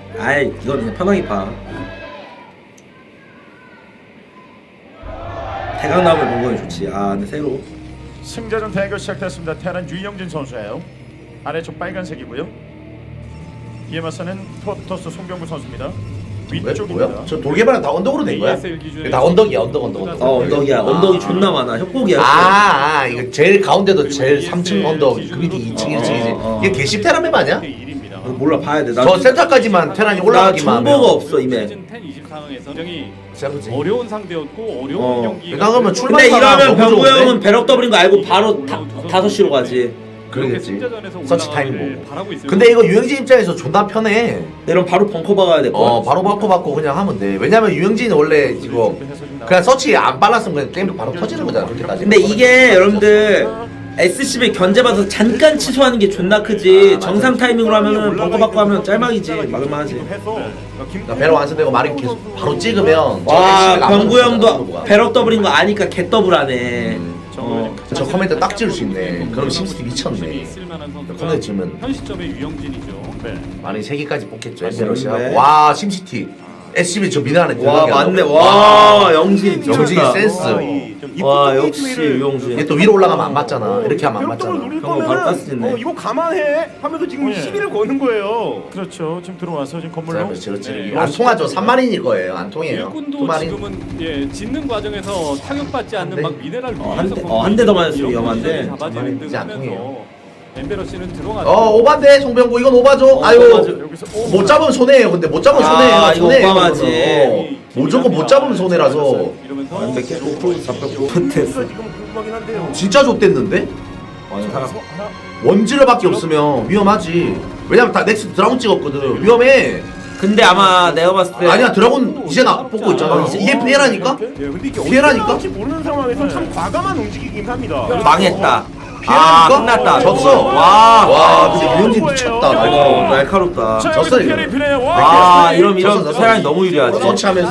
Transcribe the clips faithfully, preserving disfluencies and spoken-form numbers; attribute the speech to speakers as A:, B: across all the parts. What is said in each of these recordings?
A: 아이 이건 그냥 편하게 봐. 대강 나오면 본거이 좋지. 아 근데 새로
B: 승자전 대결 시작됐습니다. 테란 유영진 선수예요. 아래쪽 빨간색이고요. 이에 맞서는 토토스 송병구 선수입니다.
C: 왜?
B: 위쪽입니다.
C: 뭐야? 저 돌개발은 다 언덕으로 된 거야? 다 언덕이야 언덕 언덕 언덕.
A: 어 언덕이야. 언덕이 존나 많아. 협곡이야.
C: 아, 아 이거 제일 가운데도 제일 삼 층 언덕 그 밑에 이 층 일 층이지.
A: 어, 어.
C: 이게 개십 테라 맵 아니야?
A: 어, 몰라 봐야 돼. 나
C: 저 센터까지만 테란이
A: 나
C: 올라가기만 하면.
A: 정보가 없어 이메.
D: 시즌 십, 이십 상황에서 굉장히
C: 그치?
D: 어려운 상대였고 어려운
A: 어.
D: 경기.
C: 그러니까 그러면 출발-
A: 근데 이러면
C: 너무
A: 병구
C: 좋은데?
A: 형은 배럭 더블인 거 알고 바로 다, 다섯 시로 가지.
C: 그러겠지. 서치 타임 보고.
D: 바라고 있어요.
C: 근데 이거 유영진 입장에서 존나 편해.
A: 이러면 바로 벙커 박아야 될 거야.
C: 어 바로 바꿔 받고 그냥 하면 돼. 왜냐면 유영진은 원래 이거 그냥 서치 안 빨랐으면 그냥 게임 바로 터지는 거잖아. 그렇게 따지면.
A: 근데 이게 여러분들 에스씨비 견제받아서 잠깐 취소하는 게 존나 크지. 정상 타이밍으로 하면은 벙커 받고 하면 짤막이지. 막을만하지.
C: 그러니까 배로 완성되고 말이 계속 바로 찍으면
A: 와 병구 형도 배럭 더블인 거 아니까 개 더블하네. 어.
C: 저 코멘트 딱 지을 수 있네. 그럼 심스티 미쳤네.
D: 있을만한 선수가
C: 코멘트 지으면
D: 현 시점에 유영진이죠.
B: 네.
C: 많이 세 개까지 뽑겠죠.
A: 네.
C: 엠베러시하고 와 심시티 에스씨비 저 미드 안에
A: 와
C: 들어가게
A: 맞네.
C: 하더라고.
A: 와 영진
C: 영진이
A: 미쳤다.
C: 센스.
A: 와 역시 유영진.
C: 얘 또 위로 올라가면 안 맞잖아. 이렇게 하면 안
E: 벽돌을
C: 맞잖아.
E: 노릴
A: 형은 바로
E: 거면은
A: 가스 짓네.
E: 어, 이거 감안해 하면서 지금
B: 예.
E: 시비를 거는 거예요.
B: 그렇죠. 지금 들어와서 지금 건물로.
C: 그렇지 그렇지.
D: 네.
C: 안 통하죠. 삼 마린일 거예요. 안 통해요.
D: 일꾼도
C: 두 마린.
D: 지금은 예 짓는 과정에서 타격받지 않는
C: 대.
D: 막 미네랄
A: 어,
D: 위에서
A: 한 대- 어, 한대더 맞았으면 위험한데.
D: 잡아지는 등
C: 이제 안
D: 하면서
C: 통해요.
D: 엠베러 씨는 들어가죠.
C: 어 오반데 송병구 이건 오바죠.
A: 어,
C: 아유
A: 오바죠.
B: 여기서 오,
C: 못 잡으면 손해예요. 근데 못 잡으면
A: 아,
C: 손해예요.
A: 이거
C: 손해예요.
A: 오바마지.
C: 이거는. 어, 무조건 못 잡으면 손해라서
D: 이러면서
A: 완벽히 프로 잡혔고 못했어.
E: 지금 궁금하긴 한데요.
C: 진짜 좆됐는데?
A: 아니 사람
C: 원질러밖에 없으면 위험하지. 왜냐면 다 넥스 드라곤 찍었거든. 위험해.
A: 근데 아마 내가 봤을 때
C: 아니야 드라곤 이제 나 뽑고 있잖아. 이제 이게 피해라니까?
E: 예, 근데 이게
C: 피해라니까?
E: 어떻게 할지 모르는 상황에서 참 과감한 움직이긴 합니다.
A: 망했다.
C: 피해라니까?
A: 아 끝났다.
C: 졌어.
A: 와.
C: 와 근데 유영진 미쳤다.
A: 이거
C: 날카로워.
A: 날카롭다.
B: 자,
C: 졌어,
B: 여기서
C: 이거.
B: 피해를 피해요.
A: 아
B: 와,
A: 이러면
C: 졌어,
A: 이러면
C: 졌어.
A: 세란이 너무 유리하지.
C: 서치하면서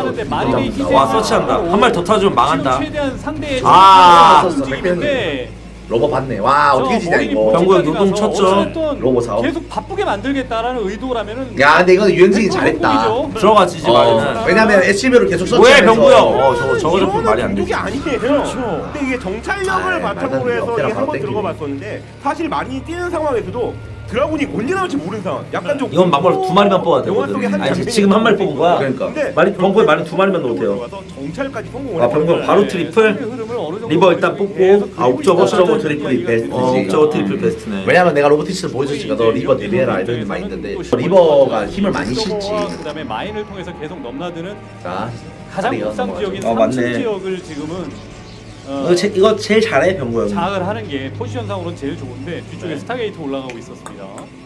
A: 와 서치한다. 한 발 더 타주면 망한다.
D: 최대한 상대의
A: 아.
D: 움직이는데
C: 로버 봤네. 와 어떻게 지냐 이거.
A: 병구 형 요동 쳤죠.
C: 로보 사업.
D: 계속 바쁘게 만들겠다라는 의도라면은
C: 야 근데 이거는 유영진이 잘했다.
A: 들어가지 이제
C: 어,
A: 말에는.
C: 왜냐면 에스씨비를 계속
A: 뭐해
C: 서치하면서
A: 병구 형. 어 저거 저거 잡히면 말이 안
E: 공격이
A: 되지.
E: 아니에요.
B: 그렇죠.
E: 근데 이게 정찰력을
C: 아이,
E: 바탕으로
C: 말도 안
E: 해서
C: 돼.
E: 이게
C: 바로
E: 한번
C: 땡기네.
E: 들어가 봤었는데 사실 많이 뛰는 상황에서도 드라군이 언제 나올지 모르는 상황. 약간 좀
A: 이건 막말로 두 마리만 뽑아도
E: 영화 속의
A: 되거든.
E: 한
A: 아니 지금 한 마리 뽑은 거야.
C: 그러니까.
E: 근데
A: 말이 벙커에 말이 두 마리만 넣어도 돼요.
E: 들어가서 정찰까지 성공을
A: 아 병구 형 바로
D: 네,
A: 트리플. 리버
D: 리버
A: 일단 뽑고 아 옥저버
C: 옥저버 트리플이 베스트지.
A: 어 옥저버 트리플 베스트네.
C: 왜냐면 내가 로보티스를 보여줬으니까 너 리버 데뷔해라 이런 마인드인데 리버가 힘을 많이 실지.
D: 그다음에 마인을 통해서 계속 넘나드는
C: 자
D: 가장
C: 다리가
D: 옥상
C: 넘어가죠.
D: 지역인
A: 어,
D: 삼 층
A: 맞네.
D: 지역을 지금은 어,
A: 이거, 제, 이거 제일 잘해 병구 형.
D: 장악을 하는 게 포지션상으로는 제일 좋은데 뒤쪽에
A: 네.
D: 스타게이트 올라가고 있었습니다.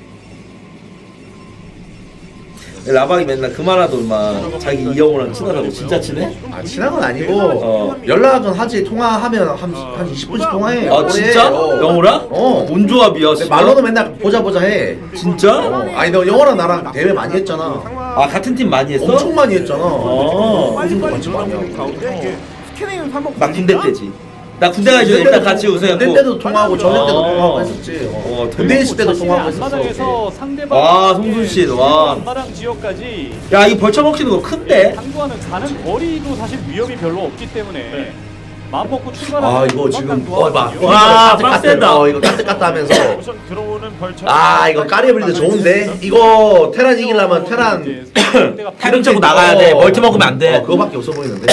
A: 라박이 맨날 그만하더만 자기 이영호랑 친하다고 진짜 친해?
C: 아 친한 건 아니고
A: 어.
C: 연락은 하지. 통화하면 한, 한 이십 분씩 통화해.
A: 아 진짜?
C: 어.
A: 영호랑?
C: 어.
A: 뭔 조합이야?
C: 근데
A: 진짜?
C: 말로는 맨날 보자 보자 해.
A: 진짜?
C: 어. 아니 너 영호랑 나랑 대회 많이 했잖아.
A: 아 같은 팀 많이 했어?
C: 엄청 많이 했잖아.
A: 어.
E: 빨리빨리
C: 같이 많이
E: 들어가는
C: 하고.
E: 가운데 이게 스캐닝을 한번
A: 나 군대 때지. 나 군대 가기 전에 일단 같이 우승했고.
C: 군대 때도 통화하고 전역 때도
A: 어.
C: 통화하고 했었지. 어.
A: 어,
C: 군대 있을 때도
D: 자신의
C: 통화하고 했었어.
D: 앞마당에서 상대방
A: 와, 송순신, 와.
D: 앞마당 지역까지
A: 야 이 벌쳐 먹히는 거 큰데?
D: 당구하는 가는 거리도 사실 위험이 별로 없기 때문에 마음 먹고 출발하는
C: 아 이거 지금 어 봐.
A: 와,
C: 까뜩
A: 빡센다.
C: 까뜩. 어 이거 까뜩 까뜩 하면서
B: 우선 들어오는 벌처.
C: 아 이거 까리블리드 좋은데 이거 테란 이기려면 테란
A: 타격 차고 나가야 돼. 멀티 먹으면 안 돼.
C: 어 그거밖에 없어 보이는데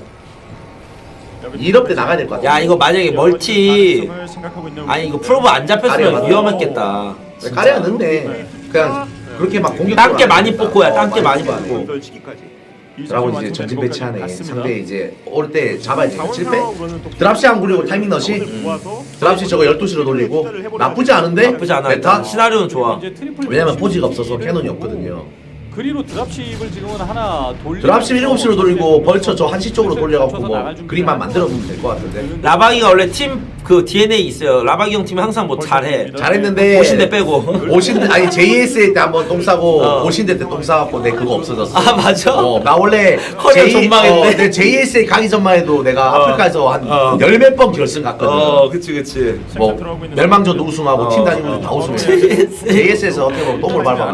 C: 이럽 때 나가야 될 것 같아.
A: 야 이거 만약에 멀티 아니 이거 프로브 안 잡혔으면
C: 가려.
A: 위험했겠다.
C: 까리가 늦네. 그냥 그렇게 막 공격.
A: 땅게 많이 뽑고야. 땅게 많이 뽑고.
C: 드라곤 이제 전진 배치하네. 상대 이제 올 때 잡아야지. 칠 패? 드랍시 안 굴리고 타이밍 넣으시. 드랍시 저거 열두 시로 돌리고 나쁘지 않은데?
A: 나쁘지 않아.
C: 메타?
A: 일단 시나리오는 좋아.
C: 왜냐면 포지가 없어서 캐논이 없거든요.
D: 그리로 드랍십을 지금은 하나 돌리
C: 드랍십 일곱 시로 돌리고 벌처 저 한시 쪽으로 돌려갖고 뭐 그림만 만들어 놓으면 될 것 같은데.
A: 라방이가 원래 팀 그 디엔에이 있어요. 라바기 형 팀이 항상 뭐 잘해.
C: 잘했는데
A: 오신대 빼고.
C: 오신대 아니 제이에스에이 때 한번 똥 싸고
A: 어.
C: 오신대 때 똥 싸갖고 내 그거 없어졌어.
A: 아 맞아.
C: 어, 나 원래
A: 커리어 전망했네.
C: 어, 내 제이에스에이 가기 전만 해도 내가
A: 어.
C: 아프리카에서 한
A: 어.
C: 열 몇 번 결승 갔거든.
A: 어 그치 그치.
C: 뭐 멸망전 우승하고
A: 어.
C: 팀 다니면서 다 우승해.
A: 제이에스에이.
C: 제이에스에서 어떻게 보면 똥을 밟아.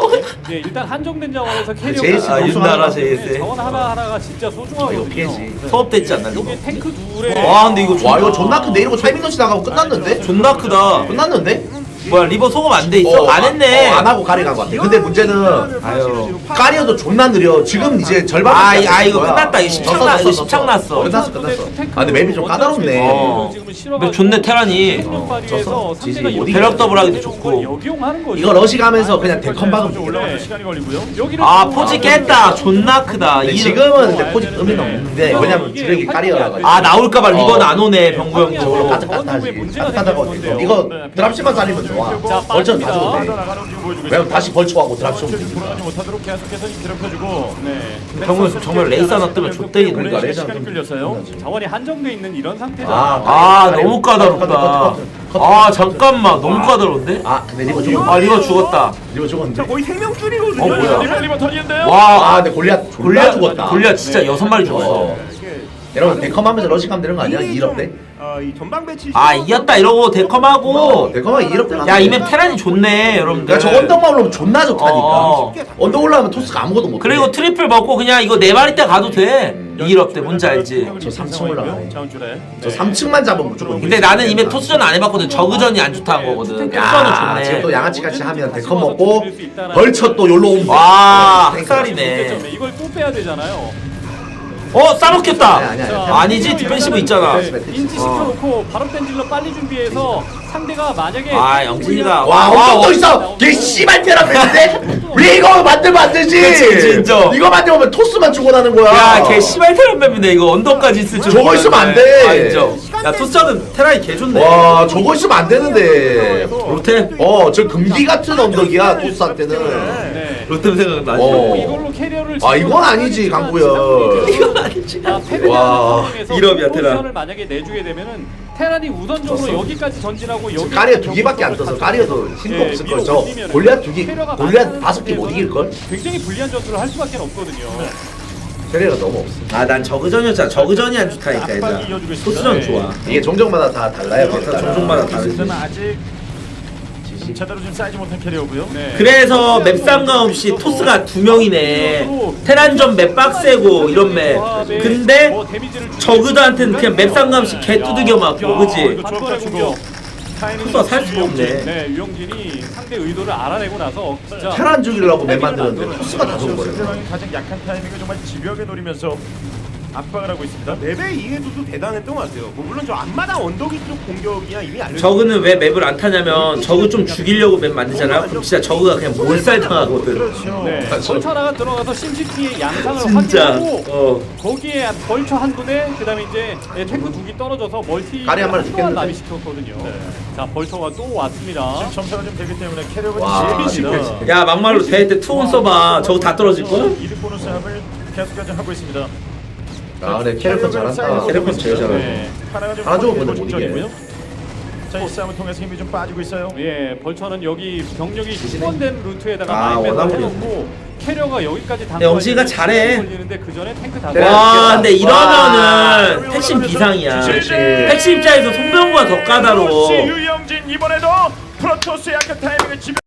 D: 예, 일단 한정된 자원에서 캐리어가
C: 제이에스
A: 아 윤나라 제이에스에이.
D: 자원 하나 하나가 진짜 소중하거든요.
C: 이거 피해지.
D: 네.
A: 수업됐지 않나 이거?
D: 여기 탱크 둘에
A: 와 근데 이거
C: 와 이거 존나 큰데 이러고 타이밍 넣치 나가고 끝났는데?
A: 존나 크다.
C: 끝났는데?
A: 뭐야 리버 소금 안 돼 있어?
C: 어,
A: 안 했네.
C: 어, 안 하고 가리 간것 같아. 근데 문제는
A: 아유.
C: 까리어도 존나 느려. 지금 이제 절반.
A: 아, 이- 아, 이거 끝났다. 이거 십창 나- 이거 십창 났어.
C: 끝났어 끝났어. 아 근데 맵이 좀 까다롭네.
A: 어. 근데 좋네 테란이.
C: 어, 졌어. 지지 못 이겨.
A: 배럭 더블 하기도 좋고.
C: 이거 러시 가면서 그냥 데컨 박으면
B: 올라가서
C: 돼.
B: 시간이 걸리고요.
A: 아 포지 깼다. 존나 크다.
C: 근데
A: 이-
C: 지금은 근데 포지 의미는 없는데 왜냐면 주력이 까리어라 가지고.
A: 아 나올까봐 리버는
C: 어.
A: 안 오네 병구 형도.
C: 저걸로 까딱까딱하지. 까딱하다고 이거 드랍십만 살리면 좋아.
D: 자,
C: 벌처는 다
D: 빠집니다.
C: 좋은데.
B: 나가는 지금 보여주고
C: 왜냐면
B: 있습니다.
C: 다시 벌초하고 드랍십
B: 지금
C: 오면
B: 돌아가지 못하도록 계속해서 괴롭혀주고.
D: 네.
A: 병구 형 정말 레이스 하나 뜨면 좆대기
B: 오랜
C: 그러니까
B: 시간
C: 레이저
B: 시간이
C: 좀
B: 끌렸어요.
D: 자원이 한정돼 있는 이런 상태잖아.
C: 아,
A: 아 너무 까다롭다. 아 잠깐만 너무 까다로운데?
C: 아 근데 리버 죽었.
A: 아 리버 죽었다.
C: 리버 죽었는데.
E: 거의 생명줄이거든요.
C: 어, 뭐야.
B: 리버 리버 터지는데요.
A: 와
C: 아 근데 골리앗 졸라
A: 골리앗
C: 죽었다.
A: 골리앗 진짜 여섯 마리 죽었어.
C: 어. 여러분 데컴하면서 러시 가면 되는 거 아니야? 이 업 때?
E: 어, 이 전방 배치.
A: 아 이겼다 이러고 데컴하고.
C: 어, 데컴하면 이 업 때.
A: 야 이맵 테란이 좋네 여러분들.
C: 야, 저 언덕만 올라오면 존나 좋다니까.
A: 어.
C: 언덕 올라오면 토스가 아무것도 못해.
A: 그리고 트리플 먹고 그냥 이거 네 마리 때 가도 돼. 이 업 때 뭔지 알지?
C: 저 삼 층 올라가네.
B: 자원줄에.
C: 저 삼 층만 잡으면 무조건.
A: 근데 나는 이맵 토스전 안 해봤거든. 저그전이 안 좋다는 거거든. 토스전은
C: 야, 지금 또
A: 좋네.
C: 양아치 같이 하면 데컴 먹고 벌쳐 또 yor로 오면.
A: 와
C: 돼.
A: 학살이네.
D: 이걸 또 빼야 되잖아요.
A: 어 싸먹혔다.
C: 아니, 아니, 아니.
A: 아니지 디펜시브 있잖아.
D: 네, 인지 시켜놓고 바로 댄질러 빨리 준비해서 상대가 만약에
A: 아 영진이가
C: 와, 언덕 또 있어. 걔 씨발 테라 했는데 왜 이거 만들면 안 되지?
A: 그치, 그치, 인정.
C: 이거 만들면 토스만 죽어나는 거야.
A: 야걔 씨발 테란 맵이네 이거 언덕까지 있을 줄.
C: 저거 있으면 안 돼.
A: 아 인정. 야 토스전은 테란이 개 좋네.
C: 와, 저거 있으면 안 되는데.
A: 로테?
C: 어, 저 금기 같은 언덕이야 토스한테는.
D: 네.
A: 로테 생각나지.
C: 어.
D: 이걸로 캐리어를
C: 아, 이건 아니지, 강구야.
A: 이건 아니지.
C: 와,
A: 일업이야, 테란.
D: 을 만약에 내주게 되면은 테란이 우선적으로
C: 졌어.
D: 여기까지 전진하고 여기
C: 까리어 두 개밖에 안 떠서 까리어도 힘도
D: 예,
C: 없을
D: 밀어
C: 걸. 저
D: 올리면은
C: 골리앗 두 개,
D: 캐리어가
C: 골리앗
D: 많은
C: 다섯 개 못 이길 걸.
D: 굉장히 불리한 전투를 할 수밖에 없거든요.
C: 캐리어가 너무 없어.
A: 아 난 저그전이었잖아. 저그전이 안 좋다니까
B: 압박이
A: 얘들아.
B: 이어지고 있습니다.
A: 토스전
B: 네.
A: 좋아.
C: 이게 종족마다 다 달라요.
A: 다
C: 캐릭터가.
A: 종족마다 다르지.
B: 저는 아직 제대로 좀 쌓이지 못한 캐리어고요.
D: 네.
A: 그래서 맵 상관없이 토스가 두 명이네. 테란전 맵 빡세고 이런 맵. 근데
D: 뭐 데미지를
A: 저그들한테는 그냥 맵 상관없이 개 두들겨 맞고 그지?
B: 이거
D: 한 번의
B: 주고
D: 공격.
A: 토스가 살 수가 없네.
D: 네, 유영진이 상대 의도를 알아내고 나서 진짜
C: 테란 죽이려고 맵 만드는데 토스가 다 죽은 거예요.
B: 상대방이 가장 약한 타이밍을 정말 집요하게 노리면서 압박을 하고 있습니다.
E: 맵의 이해도도 대단했던 것 같아요. 뭐 물론 저 앞마당 언덕이 쪽 공격이야 이미 알려.
A: 저그는 왜 맵을 안 타냐면 저그 좀 죽이려고 맵 만들잖아. 그럼 진짜 저그가 그냥 몰살 당하거든.
B: 그렇죠.
D: 네, 벌처 하나가 들어가서 심시티의 양상을
A: 진짜.
D: 확인하고
A: 어.
D: 거기에 벌처 한 분에 그다음에 이제 예, 탱크 두 개 떨어져서 멀티
C: 까리 한 마리
D: 또한
C: 죽겠는데?
D: 나비 시켰거든요. 자, 벌처가 또 왔습니다.
B: 지금 점차가 좀 되기 때문에 캐리어가
C: 와,
B: 좀
C: 이거
A: 야 막말로 대회 때 투혼 써봐. 저거 다 떨어질 걸?
B: 이득 보는 싸움을 계속까지 하고 있습니다.
C: 아, 근데 캐릭터 잘한다.
A: 캐릭터 제일 잘하네.
D: 네.
B: 하나가 좀
C: 하나 좋은
B: 확실히
C: 건데 못
B: 중점이고요. 자, 이 싸움을 통해서 힘이 좀 빠지고 있어요.
D: 예, 벌처는 여기 병력이 충원된 루트에다가
A: 아,
D: 마인맨을
A: 원하블이
D: 해놓고 캐리어가 여기까지 당.
A: 영지가 잘해.
D: 걸리는데 그 전에 탱크 다.
C: 네.
A: 와 근데
C: 와.
A: 이러면은 택신 비상이야.
B: 그렇지.
A: 택신 입장에서 송병구가 더 까다로워.
B: 그렇지, 유영진 이번에도 프로토스의 약한 타이밍을 집